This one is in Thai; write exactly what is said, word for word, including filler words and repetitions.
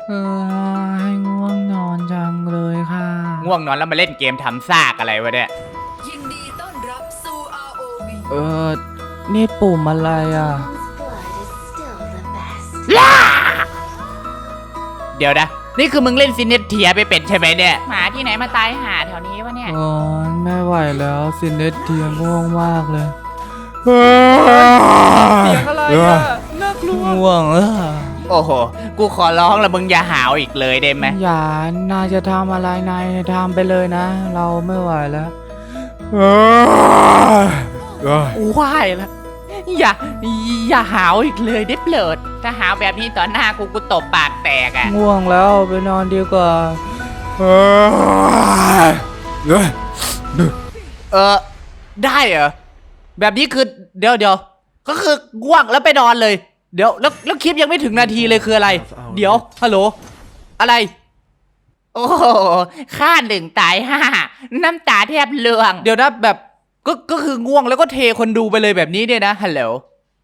เออให้ง่วงนอนจังเลยค่ะง่วงนอนแล้วมาเล่นเกมทำซากอะไรวะเนี่ยยินดีต้อนรับสู่ อาร์ โอ วีเออนี่ปุ่มอะไรอ่ะเดี๋ยวนะนี่คือมึงเล่นซินเนตเทียไปเป็นใช่ไหมเนี่ยหมาที่ไหนมาตายหาแถวนี้วะเนี่ยโอ้ยไม่ไหวแล้วซินเนตเทียง่วงมากเลยเสียงอะไรอ่ะน่ากลัวง่วงเออโอ้โหกูขอร้องละมึงอย่าหาวอีกเลยได้ไหมอย่านายจะทำอะไรนายทำไปเลยนะ เราไม่ไหวแล้วกูไหวแล้วอย่าอย่าหาวอีกเลยได้เปลิดถ้าหาวแบบนี้ต่อหน้ากูกูตบปากแตกอ่ะง่วงแล้วไปนอนดีกว่าเออได้เหรอแบบนี้คือเดี๋ยวเดี๋ยวก็คือง่วงแล้วไปนอนเลยเดี๋ยวแล้วแล้วคลิปยังไม่ถึงนาทีเลยคืออะไร เดี๋ยวฮัลโหลอะไรโอ้โหฆ่าหนึ่งตายห้าน้ำตาแทบเลืองเดี๋ยวนะแบบก็ก็คือง่วงแล้วก็เทคนดูไปเลยแบบนี้เนี่ยนะฮัลโหล